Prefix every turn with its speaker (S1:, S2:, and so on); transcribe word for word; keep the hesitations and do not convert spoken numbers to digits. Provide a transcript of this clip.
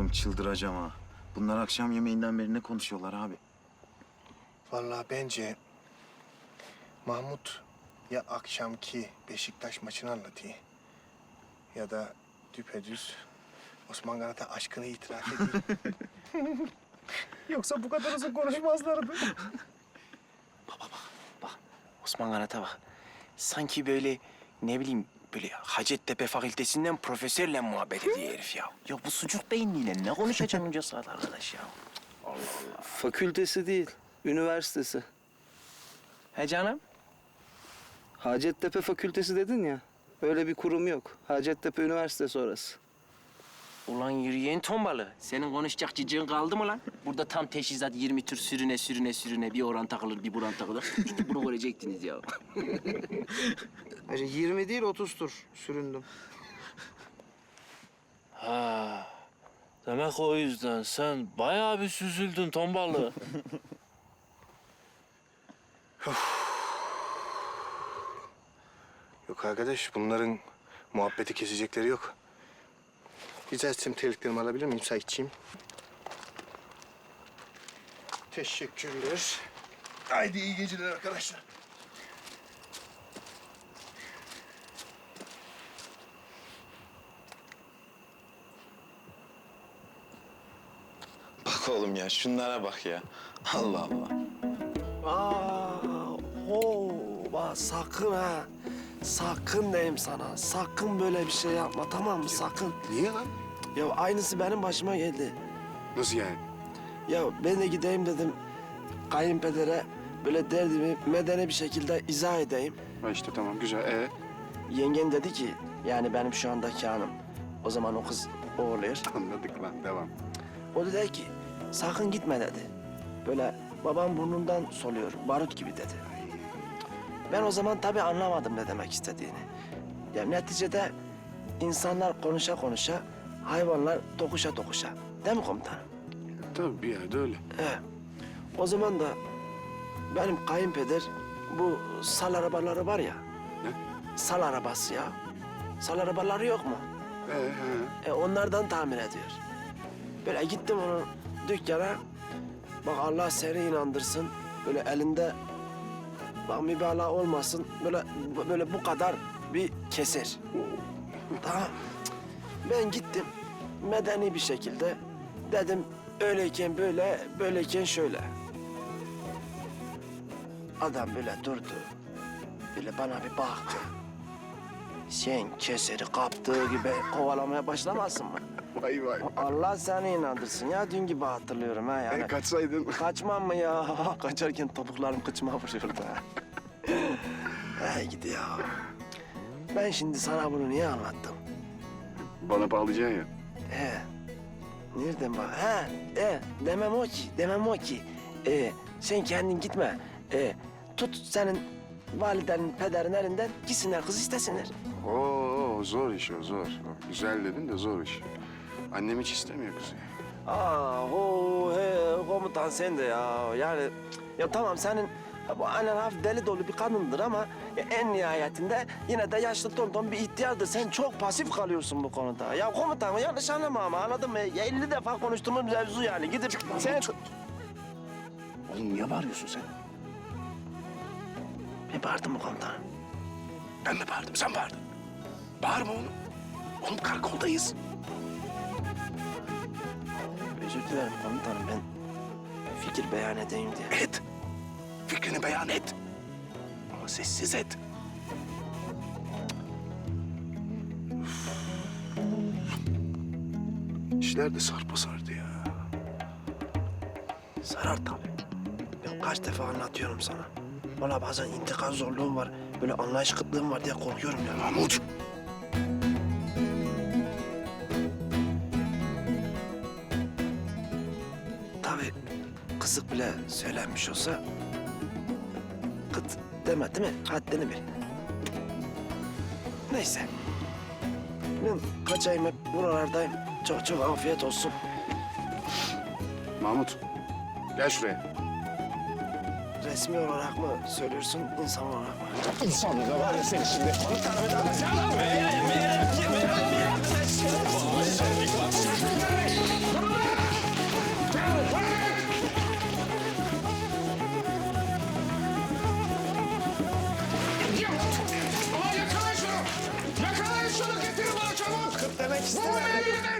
S1: çıldıracağım ha. Bunlar akşam yemeğinden beri ne konuşuyorlar abi?
S2: Vallahi bence Mahmut ya akşamki Beşiktaş maçını anlatıyor ya da düpedüz Osman Kanat'a aşkını itiraf ediyor. Yoksa bu kadar uzun konuşmazlardı.
S3: Bak Osman Kanat'a bak. Sanki böyle ne bileyim böyle Hacettepe Fakültesinden profesörle muhabbet ediyor herif ya. Ya bu sucuk beyinliyle ne konuşacak onca saat arkadaş ya? Allah Allah.
S4: Fakültesi değil, üniversitesi.
S3: He canım?
S4: Hacettepe Fakültesi dedin ya. Öyle bir kurum yok. Hacettepe Üniversitesi orası.
S3: Ulan yürüyen tombalı. Senin konuşacak cicin kaldı mı lan? Burada tam teşhizat yirmi tür sürüne sürüne sürüne bir oran takılır bir buran takılır. İşte bunu görecektiniz ya.
S4: Hacı yirmi değil otuz tur süründüm.
S5: Ha. Demek o yüzden sen bayağı bir süzüldün tombalı.
S2: Yok arkadaş, bunların muhabbeti kesecekleri yok. Rica etsem terliklerimi alabilir miyim Saitçiğim? Teşekkürler. Haydi iyi geceler arkadaşlar.
S1: Bak oğlum ya şunlara bak ya. Allah Allah.
S6: Aa, ho, bak sakın ha. Sakın diyeyim sana. Sakın böyle bir şey yapma, tamam mı? Sakın.
S2: Niye lan?
S6: Ya aynısı benim başıma geldi.
S2: Nasıl yani?
S6: Ya ben de gideyim dedim kayınpedere böyle derdimi medeni bir şekilde izah edeyim.
S2: Ha işte tamam güzel. Ee?
S6: Yengen dedi ki yani benim şu andaki hanım. O zaman o kız oğluyor.
S2: Anladık lan, devam.
S6: O da dedi ki sakın gitme dedi. Böyle babam burnundan soluyor, barut gibi dedi. Ben o zaman tabii anlamadım ne demek istediğini. Ya neticede insanlar konuşa konuşa, hayvanlar dokuşa dokuşa. Değil mi komutanım?
S2: Tabii bir yerde öyle.
S6: He. O zaman da benim kayınpeder bu sal arabaları var ya.
S2: Ne?
S6: Sal arabası ya. Sal arabaları yok mu?
S2: Ee, he.
S6: E, onlardan tamir ediyor. Böyle gittim onun dükkana. Bak Allah seni inandırsın. Böyle elinde bak mübalağa olmasın. Böyle böyle bu kadar bir keser. Tamam. Ben gittim medeni bir şekilde dedim öyleyken böyle, böyleyken şöyle. Adam böyle durdu. Böyle bana bir baktı. Sen keseri kaptığı gibi kovalamaya başlamazsın mı?
S2: Vay vay.
S6: Allah seni inandırsın ya. Dün gibi hatırlıyorum ha yani.
S2: E, kaçsaydın.
S6: Kaçmam mı ya? Kaçarken topuklarım kıçıma vuruyordu ha. Hey gidi ya. Ben şimdi sana bunu niye anlattım?
S2: Bana bağlayacaksın ya.
S6: He. Nereden bak? Ha, e, demem o ki, demem o ki. E, sen kendin gitme. E, tut senin validenin, pederin elinden gitsinler kız istesinler.
S2: Oo zor iş o zor. Güzel dedin de zor iş. Annem hiç istemiyor kızı.
S6: Aa, ho, he, komutan sen de ya. Yani ya tamam senin bu annen hafif deli dolu bir kadındır ama ya en nihayetinde yine de yaşlı tonton bir ihtiyardır. Sen çok pasif kalıyorsun bu konuda. Ya komutan yanlış anlama ama anladın mı? Ya elli defa konuştuğumuz mevzu yani. Gidip sen...
S2: Oğlum niye bağırıyorsun sen?
S6: Bir bağırdın mı komutanım?
S2: Ben mi bağırdım, sen bağırdın. Bağırma oğlum. Oğlum karakoldayız.
S6: Özür dilerim komutanım ben fikir beyan edeyim diye.
S2: Et. Fikrini beyan et. Ama sessiz et. İşler de sarpa sardı ya.
S6: Sarar tabii. Ben kaç defa anlatıyorum sana. Vallahi bazen intikam zorluğum var. Böyle anlayış kıtlığım var diye korkuyorum ya.
S2: Mahmut.
S6: Tabii kısık bile söylenmiş olsa... ...kıt deme değil mi? Haddini bil. Neyse. Ben kaçayım hep buralardayım. Çok çok afiyet olsun.
S2: Mahmut. Gel şuraya.
S6: Resmi olarak mı söylüyorsun, insan olarak mı?
S2: İnsan da var ya seni şimdi.
S6: Tamam.
S2: Sıkıştırma beni.